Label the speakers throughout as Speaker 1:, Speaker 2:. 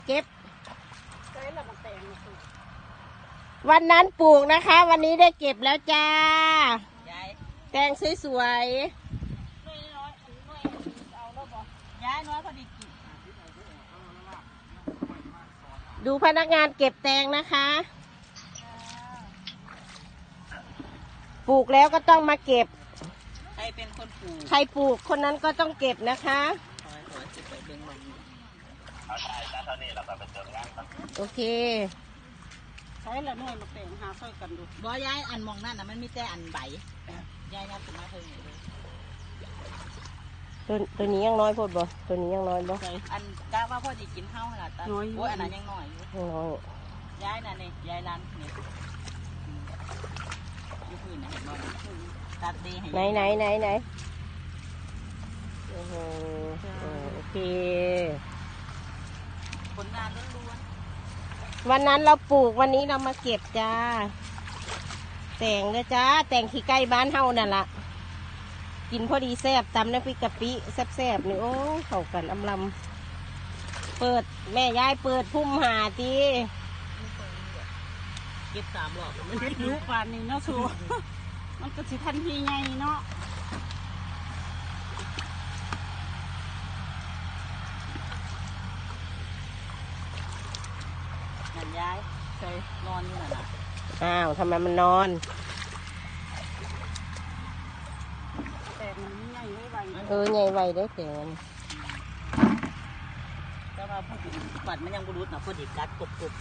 Speaker 1: เก็บวันนั้นปลูกนะคะ วันนี้ได้เก็บแล้วจ้าแตงสวยๆดูพนักงานเก็บแตงนะคะปลูกแล้วก็ต้องมาเก็บใครเป็นคนปลูกใครปลูกคนนั้นก็ต้องเก็บนะคะโอเคใช้ละหน่วยมาแปลงหาค่อยกันดูบ่ย้ายอันมองนั่นนะมันมีแต่อันใบย้ายนับถึงมาเท่านี้เลยตัวนี้ยังน้อยพอดบ่ตัวนี้ยังน้อยบ่อันกะว่าพ่อจะกินข้าวขนาดนั้นโอ้ยอันนั้นยังน้อยอยู่น้อยย้ายนั่นนี่ย้ายร้านนี่ยูพื้นนะเห็นบ่ตัดดีให้ไหนโอ้โหโอเคผลงานล้วนๆวันนั้นเราปลูกวันนี้เรามาเก็บจ้าแต่งนะจ้าแต่งขี้ไก่บ้านเฮานั่นละกินพอดีแซ่บตำน้ำพริกกะปิแซ่บๆนี่โอ้เข้ากันอำลำเปิดแม่ยายเปิดพุ่มหาตีเก็บ3 รอบมันเก็บยุควันนี้เนาะสูมันก็สิทันทีไงเนาะนั่นยายเคยนอนอยู่นั่นน่ะอ้าวทำไมมันนอนแต่มันใหญ่ไวใหญ่ไวได้แต่แต่ว่าพูดถึงปัดมันยังบุรุษนะพอดีกัดกบ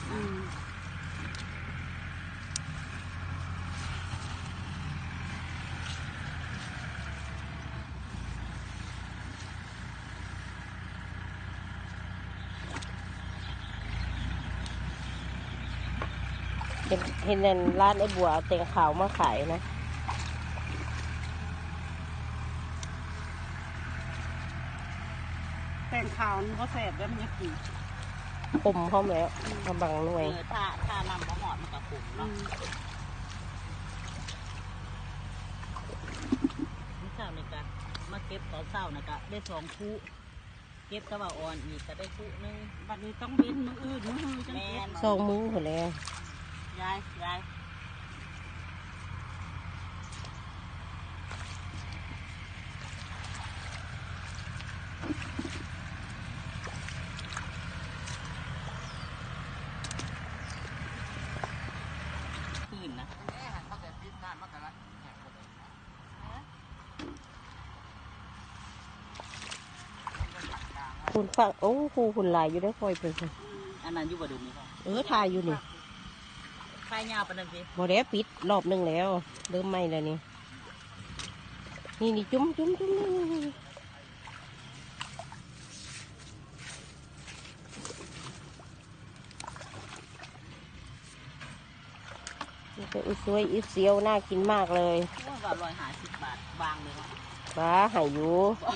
Speaker 1: เห็นร้านไอ้บัวเอาแตงขาวมาขายนะแตงขาวมันก็แสบแล้วมันจะกินขมพร้อมแล้วกำบังหน่วยถ้านำมะหอดมันก็ขมเนาะนี่เช้านี่กันมาเก็บตอนเช้านะกะได้2 คู่เก็บกระเป๋าอ่อนอีกก็ได้คู่นึงบัดนี้ต้องเว้นมืออื่นมือจังเก็บ2 มื้อหมดแล้วยายคืนนะคุณฟังโอ้คุณลายอยู่ได้คอยเป็นอันนั้นอยู่บ่ดูนี่ถ่ายอยู่นี่ถ่ายยาวปานนั้นสิบ่ได้ปิดรอบนึงแล้วเริ่มไหม้แล้วนี่จุ้มเป็นสวยเสียวน่ากินมากเลยว่า150 บาทบางเลยป้าหายอยู่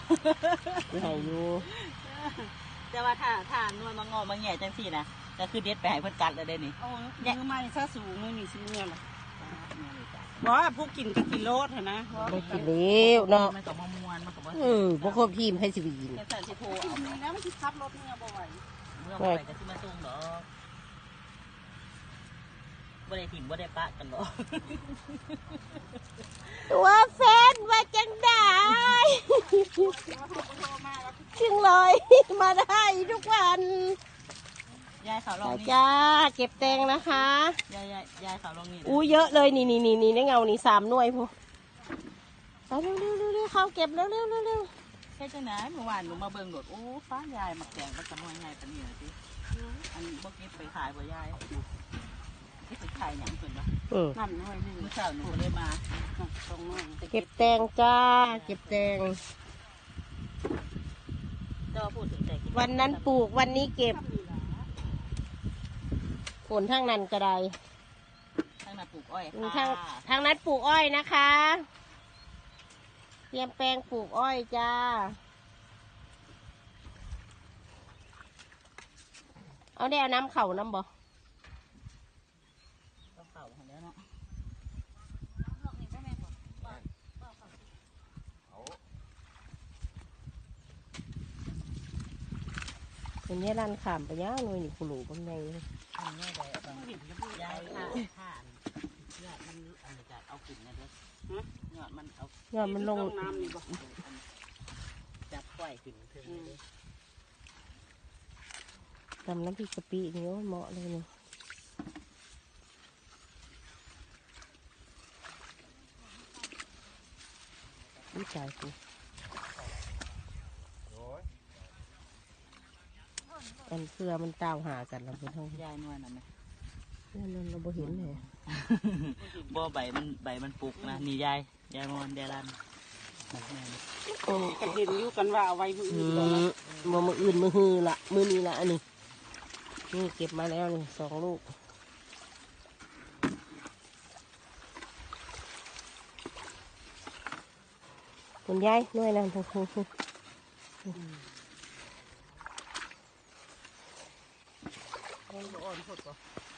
Speaker 1: แต่ว่าถ้านวลมางอมาแง่จังสี่นะก็คือเด็ดไปให้เพื่อนกัดเลยได้นี่มือใหม่ซะสูงมือนี่สิเงี้ยหรอว่าผู้กินก็กินโลดเหรอนะไม่กินเลี้ยวเนาะมันกับมะม่วนมันกับพวกครบทีมให้สิบินแต่สิโพเอาแล้วมันสิขับรถเมื่อบ่อยก็สิมาส่งหรอบ่ได้ถิ่มบ่ได้ปะกันหรอตัวแฟนว่าจังได้จึงเลยมาได้ทุกวันยายขาวลองนี่จ้าเก็บแตงนะคะยายขาวลองนี่อู้เยอะเลยนี่ในเงานี่3 หน่วยพอไปเร็วเขาเก็บเร็วใช่จังไหนเมื่อวานหนูมาเบิ่งโดดโอ้ฟ้ายายมาแกงมันจะน้อยไงกันเนี่ยสิอันนี้พวกนี้ไปขายบ่ยายที่ไปขายอย่างอื่นปะนั่นหน่อยนึงเมื่อเช้าหนูเลยมาเก็บแตงจ้าเก็บแตงวันนั้นปลูกวันนี้เก็บฝนทางนั้นก็ได้ทางนั้นปลูกอ้อยทางนั้นปลูกอ้อยนะคะเตรียมแปลงปลูกอ้อยจ้าเอาได้เอาน้ำเข่าน้ำบ่เข่าแล้วเนาะมันนี้ร้านขามไปย่างเลยนี่คุณหลูบางไง
Speaker 2: ทำแม่ได้บางทียายผ่านยอดมันอะไรจะเอาขึ้นนะเด้อยอดมันเอา
Speaker 1: ยอดมันลง
Speaker 2: น้ำนี่บ่จับปล่อยขึ้นถึงเลย
Speaker 1: ทำน้ำพริกกะปินี่เหมาะเลยนี่วิจัยกูอันเสื้อมันตามหากันเราเป็นห้อง
Speaker 2: ยายนวลนะไหม
Speaker 1: นั่นเราบ่เห็นเลย
Speaker 2: บ่ใบมันปลุกนะนี่ยายนวลยายรัน
Speaker 3: กันเห็นอยู่กันว่าเอาไว้มืออื่นก่อนนะ
Speaker 1: มืออื่นมือฮือละมือนี้ละอันนี้นี่เก็บมาแล้วนี่2 ลูกคุณยายหน่วยนั่น
Speaker 3: อ่อนพดป่ะ